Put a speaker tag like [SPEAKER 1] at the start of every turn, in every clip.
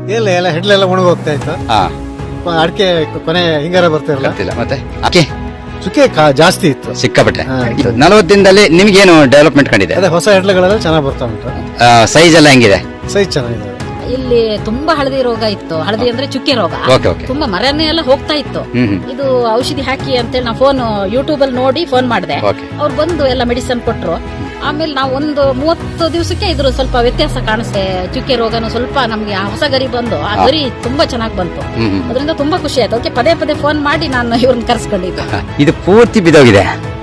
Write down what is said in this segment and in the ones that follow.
[SPEAKER 1] ಇಲ್ಲ ಎಲ್ಲ ಹೆಡ್ಲೆಲ್ಲ ಒಣಗಿ ಹೋಗ್ತಾ ಇತ್ತು.
[SPEAKER 2] ಹಾ
[SPEAKER 1] ಅಡಿಕೆ ಕೊನೆ ಹಿಂಗಾರ ಬರ್ತಿರಲ್ಲ,
[SPEAKER 2] ಗೊತ್ತಿಲ್ಲ. ಮತ್ತೆ ಅಕ್ಕಿ
[SPEAKER 1] ಚುಕ್ಕೆ ಜಾಸ್ತಿ ಇತ್ತು
[SPEAKER 2] ಸಿಕ್ಕಾಪಟ್ಟೆ. 40 ದಿನದಲ್ಲಿ ನಿಮ್ಗೇನು ಡೆವಲಪ್ಮೆಂಟ್ ಕಂಡಿದೆ?
[SPEAKER 1] ಅದೇ ಹೊಸ ಹೆಡ್ಲೆಗಳೆಲ್ಲ ಚೆನ್ನಾಗಿ ಬರ್ತಾ ಉಂಟು.
[SPEAKER 2] ಸೈಜ್ ಎಲ್ಲ ಹೆಂಗಿದೆ?
[SPEAKER 1] ಸೈಜ್ ಚೆನ್ನಾಗಿದೆ.
[SPEAKER 3] ಇಲ್ಲಿ ತುಂಬಾ ಹಳದಿ ರೋಗ ಇತ್ತು. ಹಳದಿ ಅಂದ್ರೆ ಚುಕ್ಕೆ ರೋಗ.
[SPEAKER 2] Okay okay.
[SPEAKER 3] ತುಂಬಾ ಮರನೇ ಎಲ್ಲ ಹೋಗ್ತಾ ಇತ್ತು. ಇದು ಔಷಧಿ ಹಾಕಿ ಅಂತೇಳಿ ನಾವು ಫೋನ್ ಯೂಟ್ಯೂಬ್ ಅಲ್ಲಿ ನೋಡಿ ಫೋನ್ ಮಾಡಿದೆ.
[SPEAKER 2] ಓಕೆ.
[SPEAKER 3] ಅವ್ರು ಬಂದು ಎಲ್ಲ ಮೆಡಿಸಿನ್ ಕೊಟ್ರು. ಆಮೇಲೆ ನಾವು ಒಂದು 30 ದಿವಸಕ್ಕೆ ಇದ್ರ ಸ್ವಲ್ಪ ವ್ಯತ್ಯಾಸ ಕಾಣಿಸ್ತೆ. ಚುಕ್ಕೆ ರೋಗನು ಸ್ವಲ್ಪ ನಮ್ಗೆ ಆ ಹೊಸ ಗರಿ ಬಂದು ಆ ಗರಿ ತುಂಬಾ ಚೆನ್ನಾಗಿ ಬಂತು. ಅದರಿಂದ ತುಂಬಾ ಖುಷಿ ಆಯ್ತು. ಅದಕ್ಕೆ ಪದೇ ಪದೇ ಫೋನ್ ಮಾಡಿ ನಾನು ಇವ್ರನ್ನ ಕರ್ಸ್ಕೊಂಡಿದ್ದೆ.
[SPEAKER 2] ಇದು ಪೂರ್ತಿ ಬಿದ್ದೋಗಿದೆ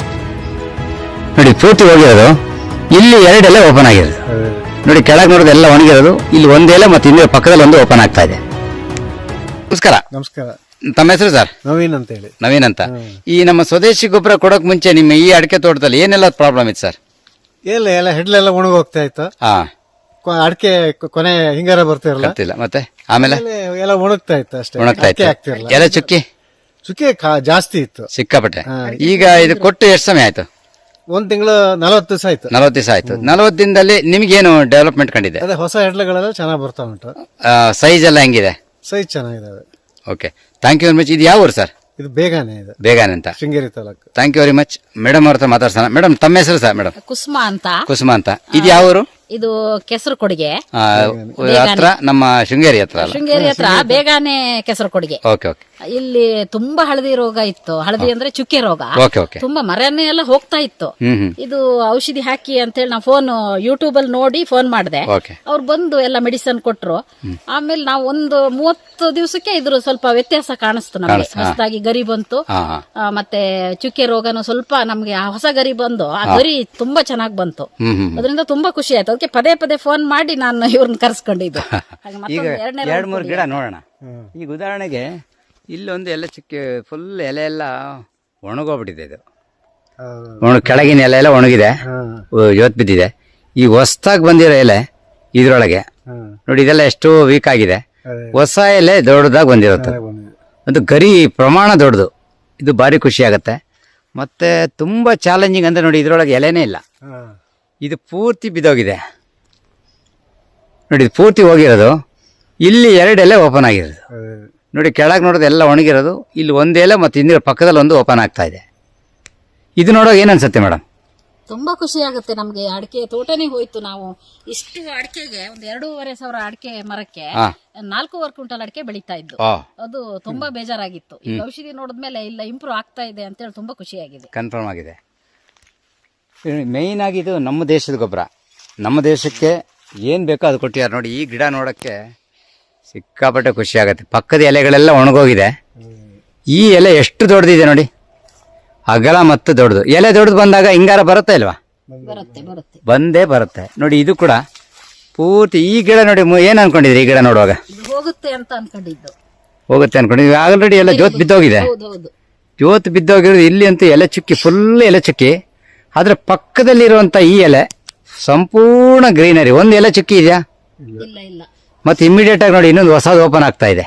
[SPEAKER 2] ನೋಡಿ, ಪೂರ್ತಿ ಹೋಗಿರೋದು. ಇಲ್ಲಿ 2 ಎಲೆ ಓಪನ್ ಆಗಿರೋದು ನೋಡಿ, ಕೆಳಗೆ ನೋಡೋದು ಎಲ್ಲ ಒಣಗಿರೋದು. ಇಲ್ಲಿ 1 ಎಲೆ ಮತ್ತೆ ಇನ್ನೊಂದು ಪಕ್ಕದಲ್ಲಿ 1 ಓಪನ್ ಆಗ್ತಾ ಇದೆ. ನಮಸ್ಕಾರ.
[SPEAKER 1] ನಮಸ್ಕಾರ.
[SPEAKER 2] ತಮ್ಮ ಹೆಸರು ಸರ್?
[SPEAKER 1] ನವೀನ್ ಅಂತ ಹೇಳಿ.
[SPEAKER 2] ನವೀನ್ ಅಂತ. ಈ ನಮ್ಮ ಸ್ವದೇಶಿ ಗೊಬ್ಬರ ಕೊಡೋಕ್ ಮುಂಚೆ ನಿಮ್ಮ ಈ ಅಡಿಕೆ ತೋಟದಲ್ಲಿ ಏನೆಲ್ಲ ಪ್ರಾಬ್ಲಮ್ ಇತ್ತು ಸರ್?
[SPEAKER 1] ಇಲ್ಲ ಎಲ್ಲ ಹೆಡ್ಲೆಲ್ಲ ಒಣಗಿ ಹೋಗ್ತಾ ಇತ್ತು.
[SPEAKER 2] ಹಾ
[SPEAKER 1] ಅಡಿಕೆ ಕೊನೆ ಹಿಂಗಾರ ಬರ್ತಿರಲ್ಲ,
[SPEAKER 2] ಗೊತ್ತಿಲ್ಲ. ಮತ್ತೆ ಆಮೇಲೆ
[SPEAKER 1] ಎಲ್ಲ ಒಣಗ್ತಾ ಇತ್ತು ಅಷ್ಟೇ,
[SPEAKER 2] ಒಣಗ್ತಾ ಇತ್ತು.
[SPEAKER 1] ಆಗ್ತಿರಲ್ಲ.
[SPEAKER 2] ಎಲೆ ಚುಕ್ಕಿ
[SPEAKER 1] ಚುಕ್ಕೆ ಜಾಸ್ತಿ ಇತ್ತು
[SPEAKER 2] ಸಿಕ್ಕಾಪಟ್ಟೆ. ಈಗ ಇದು ಕೊಟ್ಟು ಎಷ್ಟು ಸಮಯ ಆಯ್ತು?
[SPEAKER 1] 1 ತಿಂಗಳು 40 ದಿವಸ ಆಯ್ತು.
[SPEAKER 2] 40 ದಿವಸ ಆಯ್ತು. 40 ದಿನದಲ್ಲಿ ನಿಮ್ಗೇನು ಡೆವಲಪ್ಮೆಂಟ್ ಕಂಡಿದೆ?
[SPEAKER 1] ಅದೇ ಹೊಸ ಹೆಡ್ಲೆಗಳೆಲ್ಲ ಚೆನ್ನಾಗಿ ಬರ್ತಾ ಉಂಟು.
[SPEAKER 2] ಸೈಜ್ ಎಲ್ಲ ಹೆಂಗಿದೆ?
[SPEAKER 1] ಸೈಜ್ ಚೆನ್ನಾಗಿದಾವೆ.
[SPEAKER 2] Okay, thank you very much. ಇದು ಯಾವ ಊರು ಸರ್?
[SPEAKER 1] ಇದು ಬೇಗನೆ ಇದೆ,
[SPEAKER 2] ಬೇಗನೆ ಅಂತ,
[SPEAKER 1] Sringeri taluk.
[SPEAKER 2] Thank you very much. Madam ಅವ್ರ ಹತ್ರ ಮಾತಾಡ್ಸೋಣ. ಮೇಡಮ್ ತಮ್ಮ ಹೆಸರು ಸರ್? ಮೇಡಮ್
[SPEAKER 3] ಕುಸುಮ ಅಂತ.
[SPEAKER 2] ಕುಸುಮ ಅಂತ. ಇದು ಯಾವ ಊರು?
[SPEAKER 3] ಇದು ಕೆಸರು ಕೊಡುಗೆ
[SPEAKER 2] ಹತ್ರ, ನಮ್ಮ ಶೃಂಗೇರಿ ಹತ್ರ ಅಲ್ಲ?
[SPEAKER 3] ಶೃಂಗೇರಿ ಹತ್ರ ಬೇಗಾನೆ ಕೆಸರು ಕೊಡುಗೆ.
[SPEAKER 2] Okay okay.
[SPEAKER 3] ಇಲ್ಲಿ ತುಂಬಾ ಹಳದಿ ರೋಗ ಇತ್ತು. ಹಳದಿ ಅಂದ್ರೆ ಚುಕ್ಕೆ ರೋಗ.
[SPEAKER 2] Okay okay.
[SPEAKER 3] ತುಂಬಾ ಮರನೇ ಎಲ್ಲ ಹೋಗ್ತಾ ಇತ್ತು. ಇದು ಔಷಧಿ ಹಾಕಿ ಅಂತೇಳಿ ನಾವು ಫೋನ್ ಯೂಟ್ಯೂಬ್ ಅಲ್ಲಿ ನೋಡಿ ಫೋನ್ ಮಾಡಿದೆ.
[SPEAKER 2] ಓಕೆ.
[SPEAKER 3] ಅವ್ರು ಬಂದು ಎಲ್ಲ ಮೆಡಿಸಿನ್ ಕೊಟ್ರು. ಆಮೇಲೆ ನಾವು ಒಂದು 30 ದಿವಸಕ್ಕೆ ಇದ್ರ ಸ್ವಲ್ಪ ವ್ಯತ್ಯಾಸ ಕಾಣಿಸ್ತು ನಮ್ಗೆ. ಹೊಸದಾಗಿ ಗರಿ ಬಂತು. ಮತ್ತೆ ಚುಕ್ಕೆ ರೋಗನು ಸ್ವಲ್ಪ ನಮ್ಗೆ ಆ ಹೊಸ ಗರಿ ಬಂದು ಆ ಗರಿ ತುಂಬಾ ಚೆನ್ನಾಗಿ ಬಂತು. ಅದರಿಂದ ತುಂಬಾ ಖುಷಿ ಆಯ್ತು. ಅದಕ್ಕೆ ಪದೇ ಪದೇ ಫೋನ್ ಮಾಡಿ ನಾನು ಇವ್ರನ್ನ ಕರ್ಸ್ಕೊಂಡಿದ್ದು.
[SPEAKER 2] ಈಗ 2-3 ಗಿಡ ನೋಡೋಣ. ಈಗ ಉದಾಹರಣೆಗೆ ಇಲ್ಲೊಂದು ಎಲೆ ಚುಕ್ಕೆ ಫುಲ್ ಎಲೆ ಎಲ್ಲ ಒಣಗೋಗ್ಬಿಟ್ಟಿದೆ. ಇದು ಕೆಳಗಿನ ಎಲೆ ಎಲ್ಲ ಒಣಗಿದೆ, ಇವತ್ತು ಬಿದ್ದಿದೆ. ಈ ಹೊಸದಾಗಿ ಬಂದಿರೋ ಎಲೆ ಇದ್ರೊಳಗೆ ನೋಡಿ, ಇದೆಲ್ಲ ಎಷ್ಟು ವೀಕ್ ಆಗಿದೆ. ಹೊಸ ಎಲೆ ದೊಡ್ಡದಾಗಿ ಬಂದಿರುತ್ತೆ. ಒಂದು ಗರಿ ಪ್ರಮಾಣ ದೊಡ್ಡದು. ಇದು ಭಾರಿ ಖುಷಿ ಆಗತ್ತೆ. ಮತ್ತೆ ತುಂಬಾ ಚಾಲೆಂಜಿಂಗ್ ಅಂದ್ರೆ ನೋಡಿ, ಇದ್ರೊಳಗೆ ಎಲೆನೇ ಇಲ್ಲ. ಇದು ಪೂರ್ತಿ ಬಿದ್ದೋಗಿದೆ ನೋಡಿ, ಇದು ಪೂರ್ತಿ ಹೋಗಿರೋದು. ಇಲ್ಲಿ 2 ಎಲೆ ಓಪನ್ ಆಗಿರೋದು ನೋಡಿ, ಕೆಳಗೆ ನೋಡೋದು ಎಲ್ಲ ಒಣಗಿರೋದು. ಇಲ್ಲಿ 1 ಎಲೆ ಮತ್ತೆ ಇನ್ನೊಂದು ಪಕ್ಕದಲ್ಲಿ 1 ಓಪನ್ ಆಗ್ತಾ ಇದೆ. ಇದು ನೋಡೋಕೆ ಏನ್ ಅನ್ಸುತ್ತೆ ಮೇಡಮ್?
[SPEAKER 3] ತುಂಬಾ ಖುಷಿ ಆಗುತ್ತೆ ನಮ್ಗೆ. ಅಡಿಕೆ ತೋಟನೇ ಹೋಯ್ತು. ನಾವು ಇಷ್ಟು ಅಡಿಕೆಗೆ ಒಂದು 2,500 ಅಡಿಕೆ ಮರಕ್ಕೆ 4 ಕ್ವಿಂಟಲ್ ಅಡಿಕೆ ಬೆಳೀತಾ ಇದ್ದು. ಅದು ತುಂಬಾ ಬೇಜಾರಾಗಿತ್ತು. ಈ ಔಷಧಿ ನೋಡಿದ್ಮೇಲೆ ಇಲ್ಲ ಇಂಪ್ರೂವ್ ಆಗ್ತಾ ಇದೆ ಅಂತ ಹೇಳಿ ತುಂಬಾ ಖುಷಿಯಾಗಿದೆ.
[SPEAKER 2] ಕನ್ಫರ್ಮ್ ಆಗಿದೆ. ಮೇಯ್ನ್ ಆಗಿ ಇದು ನಮ್ಮ ದೇಶದ ಗೊಬ್ಬರ. ನಮ್ಮ ದೇಶಕ್ಕೆ ಏನ್ ಬೇಕೋ ಅದು ಕೊಟ್ಟಿದ್ದಾರೆ ನೋಡಿ. ಈ ಗಿಡ ನೋಡಕ್ಕೆ ಸಿಕ್ಕಾಪಟ್ಟೆ ಖುಷಿ ಆಗುತ್ತೆ. ಪಕ್ಕದ ಎಲೆಗಳೆಲ್ಲ ಒಣಗೋಗಿದೆ. ಈ ಎಲೆ ಎಷ್ಟು ದೊಡ್ಡದಿದೆ ನೋಡಿ, ಅಗಲ ಮತ್ತು ದೊಡ್ಡದು. ಎಲೆ ದೊಡ್ಡದು ಬಂದಾಗ ಹಿಂಗಾರ ಬರುತ್ತಾ ಇಲ್ವಾ? ಬಂದೇ ಬರುತ್ತೆ ನೋಡಿ. ಇದು ಕೂಡ ಪೂರ್ತಿ ಈ ಗಿಡ ನೋಡಿ. ಏನ್ ಅನ್ಕೊಂಡಿದ್ರಿ ಈ ಗಿಡ ನೋಡುವಾಗ?
[SPEAKER 3] ಹೋಗುತ್ತೆ ಅಂತ ಅನ್ಕೊಂಡಿದ್ದು.
[SPEAKER 2] ಹೋಗುತ್ತೆ ಅನ್ಕೊಂಡಿದ್ವಿ. ಆಲ್ರೆಡಿ ಎಲ್ಲ ಜೋತ್ ಬಿದ್ದೋಗಿದೆ. ಜೋತ್ ಬಿದ್ದೋಗಿರೋದು. ಇಲ್ಲಿ ಅಂತೂ ಎಲೆ ಚುಕ್ಕಿ, ಫುಲ್ ಎಲೆ ಚುಕ್ಕಿ. ಆದ್ರೆ ಪಕ್ಕದಲ್ಲಿರುವಂತ ಈ ಎಲೆ ಸಂಪೂರ್ಣ ಗ್ರೀನರಿ. 1 ಎಲೆ ಚುಕ್ಕಿ ಇದೆಯಾ? ಮತ್ತೆ ಇಮಿಡಿಯೇಟ್ ಆಗಿ ನೋಡಿ, ಇನ್ನೊಂದು ಹೊಸದು ಓಪನ್ ಆಗ್ತಾ ಇದೆ.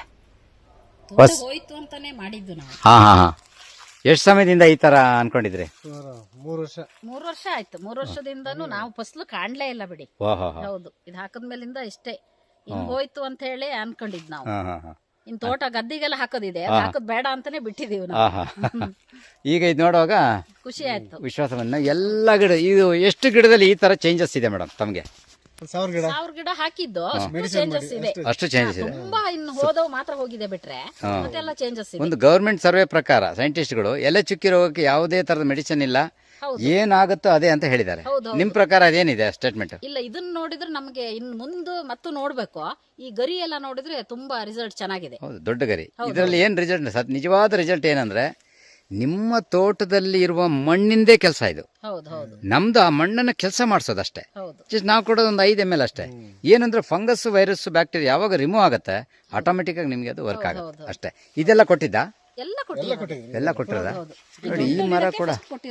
[SPEAKER 2] ಹಾ ಹಾ ಹಾ. ಎಷ್ಟು ಸಮಯದಿಂದ ಈ ತರ ಅನ್ಕೊಂಡಿದ್ರಿ?
[SPEAKER 1] 3
[SPEAKER 3] ವರ್ಷ ಆಯ್ತು. 3 ವರ್ಷದಿಂದನೂ ನಾವು ಫಸಲು ಕಾಣ್ಲೇ ಇಲ್ಲ ಬಿಡಿ. ಹೌದು, ಇದು ಹಾಕದ್ಮೇಲಿಂದ ಇಷ್ಟೇ ಹಿಂಗ್ ಹೋಯ್ತು ಅಂತ ಹೇಳಿ ಅನ್ಕೊಂಡಿದ್ ನಾವು. ಇನ್ ತೋಟ ಗದ್ದಿಗೆಲ್ಲ ಹಾಕೋದಿದೆ, ಹಾಕೋದ್ ಬೇಡ ಅಂತಾನೆ ಬಿಟ್ಟಿದೀವಿ ನಾವು.
[SPEAKER 2] ಈಗ ಇದು ನೋಡುವಾಗ
[SPEAKER 3] ಖುಷಿ ಆಯ್ತು.
[SPEAKER 2] ವಿಶ್ವಾಸವನ್ನ ಎಲ್ಲ ಗಿಡ. ಇದು ಎಷ್ಟು ಗಿಡದಲ್ಲಿ ಈ ತರ ಚೇಂಜಸ್ ಇದೆ ಮೇಡಮ್ ತಮ್ಗೆ?
[SPEAKER 3] 1000 ಗಿಡ ಹಾಕಿದ್ದು ಚೇಂಜಸ್ ಇದೆ.
[SPEAKER 2] ಅಷ್ಟು ಚೇಂಜಸ್ ಇದೆ.
[SPEAKER 3] ತುಂಬಾ ಇನ್ನು ಹೋದವು ಮಾತ್ರ ಹೋಗಿದೆ ಬಿಟ್ರೆ ಮತ್ತೆಲ್ಲ ಚೇಂಜಸ್ ಇದೆ.
[SPEAKER 2] ಒಂದು ಗವರ್ಮೆಂಟ್ ಸರ್ವೆ ಪ್ರಕಾರ ಸೈಂಟಿಸ್ಟ್ಗಳು ಎಲೆ ಚುಕ್ಕಿ ರೋಗಕ್ಕೆ ಯಾವುದೇ ತರದ ಮೆಡಿಸಿನ್ ಇಲ್ಲ, ಏನಾಗುತ್ತೋ ಅದೇ ಅಂತ ಹೇಳಿದ್ದಾರೆ. ನಿಮ್ ಪ್ರಕಾರ ಅದೇನಿದೆ ಸ್ಟೇಟ್ಮೆಂಟ್?
[SPEAKER 3] ಇಲ್ಲ, ಇದನ್ನ ನೋಡಿದ್ರೆ ನಮಗೆ ಇನ್ ಮುಂದೆ ಮತ್ತು ನೋಡ್ಬೇಕು. ಈ ಗರಿ ಎಲ್ಲ ನೋಡಿದ್ರೆ ತುಂಬಾ ರಿಸಲ್ಟ್ ಚೆನ್ನಾಗಿದೆ.
[SPEAKER 2] ಹೌದು, ದೊಡ್ಡ ಗರಿ. ಇದರಲ್ಲಿ ಏನ್ ರಿಸಲ್ಟ್, ನಿಜವಾದ ರಿಸಲ್ಟ್ ಏನಂದ್ರೆ ನಿಮ್ಮ ತೋಟದಲ್ಲಿ ಇರುವ ಮಣ್ಣಿಂದೇ ಕೆಲಸ ಇದು. ನಮ್ದು ಆ ಮಣ್ಣನ್ನ ಕೆಲಸ ಮಾಡಿಸೋದಷ್ಟೇ. ನಾವು ಕೊಡೋದು ಒಂದು 5 ml ಅಷ್ಟೇ. ಏನಂದ್ರೆ ಫಂಗಸ್, ವೈರಸ್, ಬ್ಯಾಕ್ಟೀರಿಯಾ ಯಾವಾಗ ರಿಮೂವ್ ಆಗುತ್ತೆ ಆಟೋಮೆಟಿಕ್ ಆಗಿ ನಿಮ್ಗೆ ಅದು ವರ್ಕ್ ಆಗುತ್ತೆ ಅಷ್ಟೇ. ಇದೆಲ್ಲ ಕೊಟ್ಟಿದ್ದ?
[SPEAKER 3] ಎಲ್ಲ
[SPEAKER 2] ಕೊಟ್ಟಿರೋದ ನೋಡಿ. ಈ ಮರ ಕೂಡ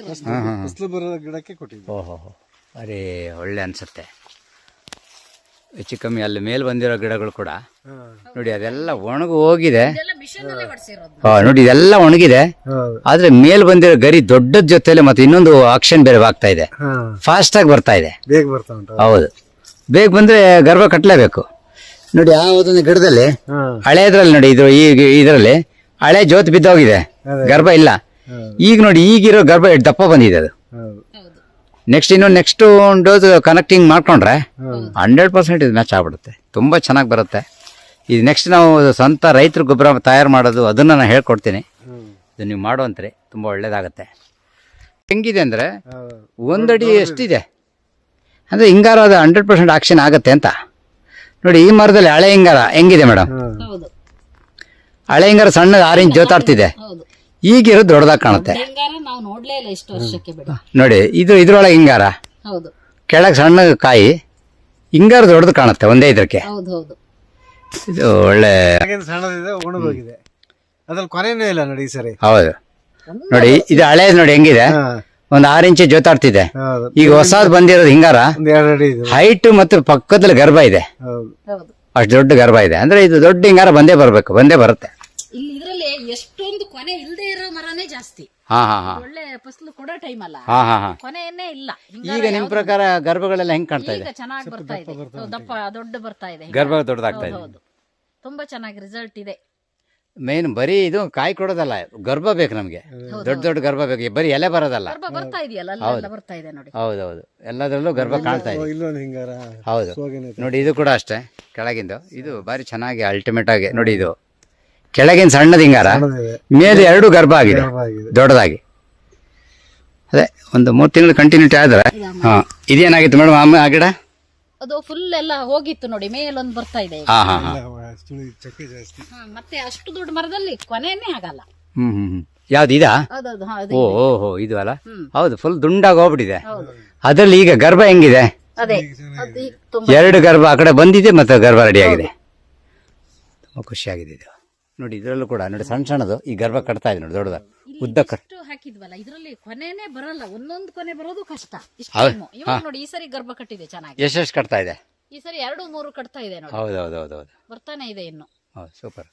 [SPEAKER 2] ಓಹೋ, ಅರೇ ಒಳ್ಳೆ ಅನ್ಸುತ್ತೆ. ಹೆಚ್ಚು ಕಮ್ಮಿ ಅಲ್ಲಿ ಮೇಲ್ ಬಂದಿರೋ ಗಿಡಗಳು ಕೂಡ ನೋಡಿ, ಅದೆಲ್ಲ ಒಣಗಿ ಹೋಗಿದೆ. ನೋಡಿ, ಇದೆಲ್ಲ ಒಣಗಿದೆ. ಆದ್ರೆ ಮೇಲ್ ಬಂದಿರೋ ಗರಿ ದೊಡ್ಡದ ಜೊತೆಲೆ ಮತ್ತೆ ಇನ್ನೊಂದು ಆಕ್ಷನ್ ಬೇರೆ ಆಗ್ತಾ ಇದೆ. ಫಾಸ್ಟ್ ಆಗಿ ಬರ್ತಾ ಇದೆ. ಹೌದು, ಬೇಗ ಬಂದ್ರೆ ಗರ್ಭ ಕಟ್ಟಲೇಬೇಕು. ನೋಡಿ ಆ ಒಂದೊಂದು ಗಿಡದಲ್ಲಿ
[SPEAKER 1] ಹ್ಮ್
[SPEAKER 2] ಹಳೆದ್ರಲ್ಲಿ ನೋಡಿ ಇದು ಈಗ ಇದರಲ್ಲಿ ಹಳೆ ಜೋತ್ ಬಿದ್ದೋಗಿದೆ, ಗರ್ಭ ಇಲ್ಲ. ಈಗ ನೋಡಿ ಈಗಿರೋ ಗರ್ಭ ಎಷ್ಟು ದಪ್ಪ ಬಂದಿದೆ ಅದು.
[SPEAKER 1] ಹೌದು
[SPEAKER 2] ನೆಕ್ಸ್ಟ್ ಒಂದು ಡೋಸ್ ಕನೆಕ್ಟಿಂಗ್ ಮಾಡ್ಕೊಂಡ್ರೆ 100% ಇದು ಮ್ಯಾಚ್ ಆಗ್ಬಿಡುತ್ತೆ, ತುಂಬಾ ಚೆನ್ನಾಗಿ ಬರುತ್ತೆ. ಇದು ನೆಕ್ಸ್ಟ್ ನಾವು ಸ್ವಂತ ರೈತರ ಗೊಬ್ಬರ ತಯಾರು ಮಾಡೋದು ಅದನ್ನ ನಾನು ಹೇಳ್ಕೊಡ್ತೀನಿ. ಇದು ನೀವು ಮಾಡುವಂತ್ರಿ ತುಂಬ ಒಳ್ಳೇದಾಗತ್ತೆ. ಹೆಂಗಿದೆ ಅಂದರೆ ಒಂದಡಿ ಎಷ್ಟಿದೆ ಅಂದರೆ ಹಿಂಗಾರ ಅದು 100% ಆಕ್ಷನ್ ಆಗುತ್ತೆ ಅಂತ ನೋಡಿ. ಈ ಮರದಲ್ಲಿ ಹಳೆ ಹಿಂಗಾರ ಹೆಂಗಿದೆ ಮೇಡಮ್?
[SPEAKER 3] ಹೌದು
[SPEAKER 2] ಹಳೆ ಹಿಂಗಾರ ಸಣ್ಣ 6 ಇಂಚ್ ಜೋತಾಡ್ತಿದೆ,
[SPEAKER 3] ಹೌದು.
[SPEAKER 2] ಈಗಿರೋದು ದೊಡ್ಡದಾಗಿ ಕಾಣುತ್ತೆ
[SPEAKER 3] ಹಿಂಗಾರ ನಾವು ನೋಡ್ಲೇ ಇಲ್ಲ ಇಷ್ಟು ವರ್ಷಕ್ಕೆ ಬಿಡ.
[SPEAKER 2] ನೋಡಿ. ಇದ್ರೊಳಗೆ ಹಿಂಗಾರ
[SPEAKER 3] ಹೌದು
[SPEAKER 2] ಕೆಳಗೆ ಸಣ್ಣ ಕಾಯಿ, ಹಿಂಗಾರ ದೊಡ್ಡದು ಕಾಣುತ್ತೆ ಒಂದೇ ಇದಕ್ಕೆ.
[SPEAKER 3] ಹೌದು ಹೌದು.
[SPEAKER 2] ಇದು ಒಳ್ಳೆ
[SPEAKER 1] ಸಣ್ಣದಿದೆ, ಒಣಗೋಗಿದೆ, ಅದ್ರಲ್ಲಿ ಕೊನೆನೂ ಇಲ್ಲ ನೋಡಿ ಈ ಸರಿ.
[SPEAKER 2] ಹೌದು ನೋಡಿ, ಇದು ಹಳೇದು ನೋಡಿ ಹೆಂಗಿದೆ, ಒಂದು 6 ಇಂಚ್ ಜೋತಾಡ್ತಿದೆ.
[SPEAKER 1] ಹೌದು
[SPEAKER 2] ಈಗ ಹೊಸದು ಬಂದಿರೋದು ಹಿಂಗಾರ
[SPEAKER 1] ಒಂದ್ 2 ಅಡಿ ಇದು.
[SPEAKER 2] ಹೈಟ್ ಮತ್ತು ಪಕ್ಕದಲ್ಲಿ ಗರ್ಭ ಇದೆ,
[SPEAKER 1] ಹೌದು
[SPEAKER 3] ಹೌದು.
[SPEAKER 2] ಅಷ್ಟು ದೊಡ್ಡ ಗರ್ಭ ಇದೆ. ಅಂದ್ರೆ ಇದು ದೊಡ್ಡ ಹಿಂಗಾರ ಬಂದೇ ಬರುತ್ತೆ.
[SPEAKER 3] ಇಲ್ಲಿ ಇದ್ರಲ್ಲಿ ಎಷ್ಟೊಂದು ಕೊನೆ ಇಲ್ಲದೆ ಇರೋ ಮರನೇ ಜಾಸ್ತಿ.
[SPEAKER 2] ಹಾ ಹಾ ಹಾ
[SPEAKER 3] ಒಳ್ಳೆ ಫಸಲು ಕೊಡೋ ಟೈಮ್ ಅಲ್ಲ,
[SPEAKER 2] ಹಾ ಹಾ ಹಾ.
[SPEAKER 3] ಕೊನೆಯನ್ನೇ ಇಲ್ಲ.
[SPEAKER 2] ಈಗ ನಿಮ್ ಪ್ರಕಾರ ಗರ್ಭಗಳೆಲ್ಲ ಹೆಂಗ್ ಕಾಣ್ತಾ ಇದೆ?
[SPEAKER 3] ಈಗ ಚೆನ್ನಾಗಿ ಬರ್ತಾ ಇದೆ, ದಪ್ಪ ದೊಡ್ಡ ಬರ್ತಾ ಇದೆ
[SPEAKER 2] ಗರ್ಭ ದೊಡ್ಡದಾಗ್ತಾ ಇದೆ.
[SPEAKER 3] ಹೌದು, ತುಂಬಾ ಚೆನ್ನಾಗಿ ರಿಸಲ್ಟ್ ಇದೆ.
[SPEAKER 2] ಮೇನ್ ಬರೀ ಇದು ಕಾಯಿ ಕೊಡೋದಲ್ಲ, ಗರ್ಭ ಬೇಕು ನಮ್ಗೆ, ದೊಡ್ಡ ಗರ್ಭ ಬೇಕು, ಬರೀ ಎಲೆ ಬರೋದಲ್ಲ.
[SPEAKER 3] ಗರ್ಭ ಬರ್ತಾ ಇದೆಯಲ್ಲ, ಅಲ್ಲೆಲ್ಲ ಬರ್ತಾ ಇದೆ ನೋಡಿ.
[SPEAKER 2] ಹೌದೌದು, ಎಲ್ಲದರಲ್ಲೂ ಗರ್ಭ ಕಾಣ್ತಾ ಇದೆ.
[SPEAKER 1] ಇಲ್ಲೊಂದು ಹಿಂಗಾರ
[SPEAKER 2] ಹೌದು ನೋಡಿ, ಇದು ಕೂಡ ಅಷ್ಟೇ ಕೆಳಗಿಂದು. ಇದು ಬಾರಿ ಚೆನ್ನಾಗಿ ಅಲ್ಟಿಮೇಟ್ ಆಗಿ ನೋಡಿ, ಇದು ಕೆಳಗಿನ ಸಣ್ಣದ ಹಿಂಗಾರ, ಮೇಲೆ 2 ಗರ್ಭ ಆಗಿದೆ ದೊಡ್ಡದಾಗಿ. ಅದೇ ಒಂದು 3 ತಿಂಗಳು ಕಂಟಿನ್ಯೂಟಿ ಆದ್ರೆ. ಹಾ, ಇದೇನಾಗಿತ್ತು ಮೇಡಮ್ ಆಮೇಲೆ ಆ ಗಿಡ?
[SPEAKER 3] ಅದು ಫುಲ್ ಎಲ್ಲ ಹೋಗಿತ್ತು ನೋಡಿ, ಮೇಲೊಂದು ಬರ್ತಾ ಇದೆ ಈಗ.
[SPEAKER 2] ಹಾ ಹಾ ಹಾ.
[SPEAKER 1] ಚಕ್ಕೆ ಜಾಸ್ತಿ.
[SPEAKER 3] ಮತ್ತೆ ಅಷ್ಟು ದೊಡ್ಡ ಮರದಲ್ಲಿ ಕೊನೆಯನ್ನೇ ಆಗಲ್ಲ.
[SPEAKER 2] ಯಾವ್ದು ಇದಾ?
[SPEAKER 3] ಹೌದೌದು.
[SPEAKER 2] ಓಹೋ ಇದು ಅಲ್ಲ. ಹೌದು, ಫುಲ್ ದುಂಡಾಗಿ ಹೋಗ್ಬಿಟ್ಟಿದೆ. ಅದ್ರಲ್ಲಿ ಈಗ ಗರ್ಭ ಹೆಂಗಿದೆ?
[SPEAKER 3] ಅದೇ ಅದು ಈಗ ತುಂಬಾ
[SPEAKER 2] 2 ಗರ್ಭ ಆ ಕಡೆ ಬಂದಿದೆ, ಮತ್ತೆ ಗರ್ಭ ರೆಡಿ ಆಗಿದೆ. ತುಂಬಾ ಖುಷಿಯಾಗಿದೆ ಇದು ನೋಡಿ. ಇದರಲ್ಲೂ ಕೂಡ ನೋಡಿ, ಸಣ್ಣದು ಈ ಗರ್ಭ ಕಟ್ತಾ ಇದೆ ನೋಡಿ, ದೊಡ್ಡದ ಉದ್ದ
[SPEAKER 3] ಇಷ್ಟು ಹಾಕಿದ್ವಲ್ಲ, ಇದ್ರಲ್ಲಿ ಕೊನೆನೇ ಬರಲ್ಲ, ಒಂದೊಂದು ಕೊನೆ ಬರೋದು ಕಷ್ಟ. ಇಷ್ಟು
[SPEAKER 2] ಹೌದು.
[SPEAKER 3] time. ಇವಾಗ ನೋಡಿ, ಈ ಸರಿ ಗರ್ಭ ಕಟ್ಟಿದೆ ಚೆನ್ನಾಗಿ.
[SPEAKER 2] ಎಷ್ಟು ಕಟ್ತಾ ಇದೆ?
[SPEAKER 3] ಈ ಸರಿ 2-3 ಕಟ್ತಾ ಇದೆ ನೋಡಿ,
[SPEAKER 2] ಹೌದು
[SPEAKER 3] ಬರ್ತಾನೆ ಇದೆ ಇನ್ನು.
[SPEAKER 2] ಹೌದು, ಸೂಪರ್.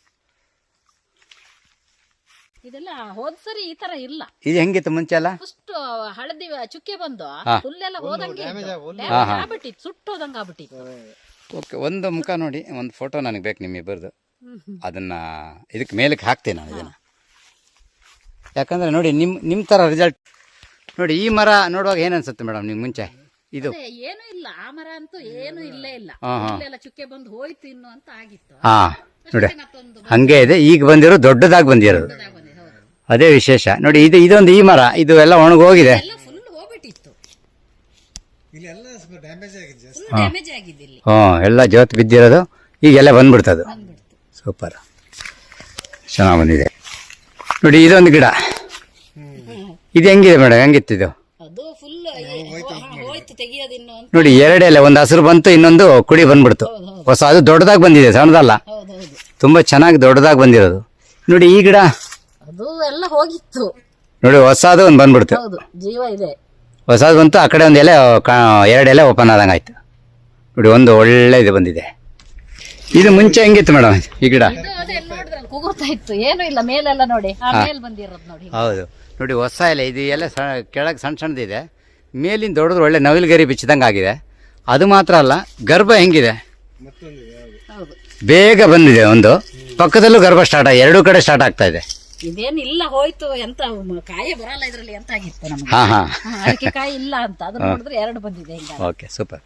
[SPEAKER 3] ಇದೆಲ್ಲ ಹೋದ್ ಸರಿ ಈ ತರ ಇಲ್ಲ.
[SPEAKER 2] ಇದು ಹೆಂಗಿತ್ತು ಮುಂಚೆ ಎಲ್ಲ?
[SPEAKER 3] ಫಸ್ಟ್ ಹಳದಿ ಚುಕ್ಕೆ ಬಂದು ಫುಲ್ ಎಲ್ಲ ಹೋದಂಗೆ ಆಗ್ಬಿಟ್ಟಿತ್ತು, ಸುಟ್ಟೋದಂಗ ಆಗ್ಬಿಟ್ಟಿತ್ತು.
[SPEAKER 2] ಓಕೆ, ಒಂದು ಮುಖ ನೋಡಿ, ಒಂದು ಫೋಟೋ ನನಗೆ ಬೇಕು ನಿಮ್ಮಿಬ್ಬರದು. ಅದನ್ನ ಇದಕ್ಕೆ ಮೇಲಕ್ಕೆ ಹಾಕ್ತೀನಿ ನಾನು ಇದನ್ನ. ಯಾಕಂದ್ರೆ ನೋಡಿ, ನಿಮ್ಮ ಥರ ರಿಸಲ್ಟ್ ನೋಡಿ. ಈ ಮರ ನೋಡುವಾಗ ಏನು ಅನ್ಸುತ್ತೆ ಮೇಡಮ್ ನಿಮ್ಗೆ ಮುಂಚೆ? ಇದು
[SPEAKER 3] ಏನು ಇಲ್ಲ, ಆ ಮರ ಅಂತೂ ಏನು ಇಲ್ಲೇ ಇಲ್ಲ, ಇಲ್ಲೆಲ್ಲ ಚುಕ್ಕೆ ಬಂದು ಹೋಯ್ತು ಇನ್ನು ಅಂತ ಆಗಿತ್ತು.
[SPEAKER 2] ಹಾ ನೋಡಿ, ಹಂಗೆ ಇದೆ. ಈಗ ಬಂದಿರೋ ದೊಡ್ಡದಾಗಿ ಬಂದಿರೋದು, ಅದೇ ವಿಶೇಷ ನೋಡಿ. ಇದೊಂದು ಈ ಮರ, ಇದು ಎಲ್ಲ ಒಣಗೋಗಿದೆ,
[SPEAKER 3] ಫುಲ್ ಹೋಗ್ಬಿಟ್ಟಿತ್ತು,
[SPEAKER 1] ಇಲ್ಲೆಲ್ಲ ಸ್ವಲ್ಪ ಡ್ಯಾಮೇಜ್ ಆಗಿದೆ ಜಾಸ್ತಿ.
[SPEAKER 3] ಡ್ಯಾಮೇಜ್ ಆಗಿದೆ ಇಲ್ಲಿ.
[SPEAKER 2] ಎಲ್ಲ ಜೋತ್ ಬಿದ್ದಿರೋದು ಈಗೆಲ್ಲ ಬಂದ್ಬಿಡ್ತದು. ಸೂಪರ್, ಚೆನ್ನಾಗಿ ಬಂದಿದೆ ನೋಡಿ. ಇದೊಂದು ಗಿಡ, ಇದು ಹೆಂಗಿದೆ ಮೇಡಮ್? ಹೆಂಗಿತ್ತು ಇದು?
[SPEAKER 3] ಅದು ಫುಲ್ ಹೋಯ್ತು, ತೆಗಿಯೋದಿನ್ನು ಅಂತ.
[SPEAKER 2] ನೋಡಿ, 2 ಎಲೆ, ಒಂದು ಹಸಿರು ಬಂತು, ಇನ್ನೊಂದು ಕುಡಿ ಬಂದ್ಬಿಡ್ತು. ಹೊಸ ಅದು ದೊಡ್ಡದಾಗಿ ಬಂದಿದೆ, ಸಣ್ಣದಲ್ಲ, ತುಂಬಾ ಚೆನ್ನಾಗಿ ದೊಡ್ಡದಾಗಿ ಬಂದಿರೋದು ನೋಡಿ. ಈ ಗಿಡ
[SPEAKER 3] ಅದು ಎಲ್ಲ ಹೋಗಿತ್ತು
[SPEAKER 2] ನೋಡಿ, ಹೊಸದು ಒಂದು ಬಂದ್ಬಿಡ್ತು.
[SPEAKER 3] ಹೌದು, ಜೀವ ಇದೆ.
[SPEAKER 2] ಹೊಸದು ಬಂತು, ಆ ಕಡೆ ಒಂದು ಎಲೆ 2 ಎಲೆ ಓಪನ್ ಆದಂಗೆ ಆಯ್ತು ನೋಡಿ. ಒಂದು ಒಳ್ಳೆ ಇದು ಬಂದಿದೆ. ಇದು ಮುಂಚೆ ಹೆಂಗಿತ್ತು ಮೇಡಮ್ ಈ ಗಿಡ?
[SPEAKER 3] ಅದೇ ನೋಡಿದ್ರಲ್ಲ, ಕೂಗುತ್ತಾ ಇತ್ತು, ಏನು ಇಲ್ಲ, ಮೇಲೆಲ್ಲ ನೋಡಿ, ಆ ಮೇಲ್ ಬಂದಿರೋದು ನೋಡಿ.
[SPEAKER 2] ಹೌದು ನೋಡಿ, ಹೊಸ ಎಲೆ, ಇದು ಎಲೆ ಕೆಳಗೆ ಸಣ್ಣದಿದೆ, ಮೇಲಿಂದ ದೊಡ್ಡದು ಒಳ್ಳೆ ನವಿಲುಗರಿ ಬಿಚ್ಚಿದಂಗೆ ಆಗಿದೆ. ಅದು ಮಾತ್ರ ಅಲ್ಲ, ಗರ್ಭ ಹೆಂಗಿದೆ,
[SPEAKER 3] ಹೌದು,
[SPEAKER 2] ಬೇಗ ಬಂದಿದೆ. ಒಂದು ಪಕ್ಕದಲ್ಲೂ ಗರ್ಭ ಸ್ಟಾರ್ಟ್ ಆಗಿ 2 ಕಡೆ ಸ್ಟಾರ್ಟ್ ಆಗ್ತಾ ಇದೆ.
[SPEAKER 3] ಇದೇನಿಲ್ಲ, ಹೋಯ್ತು, ಎಂತ ಕಾಯಿ ಬರಲ್ಲ ಇದ್ರಲ್ಲಿ ಅಂತ ಆಗಿತ್ತು ನಮ್ಗೆ.
[SPEAKER 2] ಹಾ ಹಾ,
[SPEAKER 3] ಅದಕ್ಕೆ ಕಾಯಿ ಇಲ್ಲ ಅಂತ, ಅದನ್ನ ನೋಡಿದ್ರೆ 2 ಬಂದಿದೆ ಹಿಂಗ.
[SPEAKER 2] Okay, super.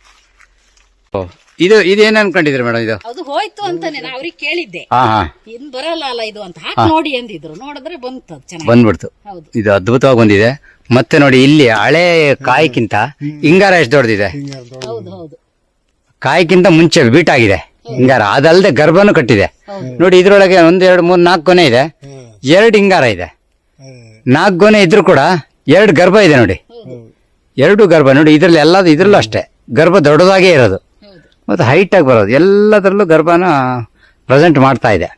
[SPEAKER 2] ಇದೇನು ಅನ್ಕೊಂಡಿದ್ರಿ ಮೇಡಮ್? ಇದು
[SPEAKER 3] ಅದು ಹೋಯ್ತು ಅಂತಾನೆ ನಾ ಅವ್ರಿಗೆ ಕೇಳಿದ್ದೆ,
[SPEAKER 2] ಹಾ ಹಾ,
[SPEAKER 3] ಇನ್ ಬರಲ್ಲ ಅಲ್ಲ ಇದು ಅಂತ, ಹಾಕಿ ನೋಡಿ ಅಂದಿದ್ರು. ನೋಡಿದ್ರೆ ಬಂತು, ಚೆನ್ನಾಗಿ
[SPEAKER 2] ಬಂದ್ಬಿಡ್ತು.
[SPEAKER 3] ಹೌದು,
[SPEAKER 2] ಇದು ಅದ್ಭುತವಾಗಿ ಬಂದಿದೆ. ಮತ್ತೆ ನೋಡಿ, ಇಲ್ಲಿ ಹಳೆ ಕಾಯಿಗಿಂತ ಹಿಂಗಾರ ಎಷ್ಟು ದೊಡ್ಡದಿದೆ.
[SPEAKER 3] ಹೌದು ಹೌದು,
[SPEAKER 2] ಕಾಯಿಗಿಂತ ಮುಂಚೆ ಬೀಟ್ ಆಗಿದೆ ಹಿಂಗಾರ. ಅದಲ್ಲದೆ ಗರ್ಭನೂ ಕಟ್ಟಿದೆ ನೋಡಿ. ಇದ್ರೊಳಗೆ 1 2 3 4 ಗೊನೆ ಇದೆ, 2 ಹಿಂಗಾರ ಇದೆ. 4 ಗೊನೆ ಇದ್ರು ಕೂಡ 2 ಗರ್ಭ ಇದೆ ನೋಡಿ, 2 ಗರ್ಭ ನೋಡಿ. ಇದ್ರಲ್ಲಿ ಎಲ್ಲದು, ಇದ್ರಲ್ಲೂ ಅಷ್ಟೇ ಗರ್ಭ ದೊಡ್ಡದಾಗೇ ಇರೋದು, ಮತ್ತು ಹೈಟ್ ಆಗಿ ಬರೋದು. ಎಲ್ಲದರಲ್ಲೂ ಗರ್ಭನ ಪ್ರೆಸೆಂಟ್ ಮಾಡ್ತಾ ಇದೆ.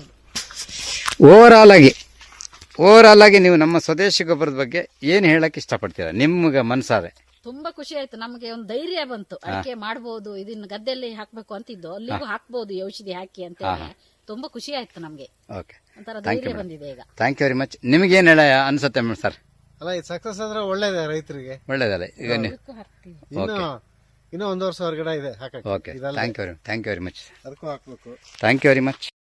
[SPEAKER 2] ಓವರಾಲ್ ಆಗಿ ನೀವು ನಮ್ಮ ಸ್ವದೇಶಿ ಗೊಬ್ಬರದ ಬಗ್ಗೆ ಏನು ಹೇಳಕ್ ಇಷ್ಟಪಡ್ತೀರಾ ನಿಮ್ಗೆ ಮನಸಾರೆ?
[SPEAKER 3] ತುಂಬಾ ಖುಷಿ ಆಯ್ತು, ನಮ್ಗೆ ಒಂದು ಧೈರ್ಯ ಬಂತು. ಅಡಿಕೆ ಮಾಡ್ಬೋದು, ಇದನ್ನ ಗದ್ದೆಯಲ್ಲಿ ಹಾಕ್ಬೇಕು ಅಂತಿದ್ದು, ಅಲ್ಲಿಗೂ ಹಾಕ್ಬೋದು ಈ ಔಷಧಿ ಹಾಕಿ ಅಂತ ಹೇಳಿ. ತುಂಬಾ ಖುಷಿ ಆಯ್ತು ನಮ್ಗೆ,
[SPEAKER 2] ಓಕೆ,
[SPEAKER 3] ಒಂಥರ ಧೈರ್ಯ ಬಂದಿದೆ ಈಗ.
[SPEAKER 2] Thank you very much. ನಿಮ್ಗೆ ಏನು ಹೇಳ ಅನ್ಸುತ್ತೆ ಸರ್?
[SPEAKER 1] ಅಲ್ಲ, ಇದು ಸಕ್ಸಸ್ ಆದ್ರೆ ಒಳ್ಳೇದೇ ರೈತರಿಗೆ,
[SPEAKER 2] ಒಳ್ಳೇದಲ್ಲ. ಈಗ ನೀವು
[SPEAKER 3] ಇದಕ್ಕೂ ಹಾಕ್ತೀವಿ.
[SPEAKER 1] ಇನ್ನು ಇನ್ನೂ 1 ವರ್ಷ ಹೊರಗಡೆ ಇದೆ ಹಾಕಕ್ಕೆ
[SPEAKER 2] okay thank you very much
[SPEAKER 1] ಅದಕ್ಕೂ ಹಾಕ್ಬೇಕು.
[SPEAKER 2] Thank you very much.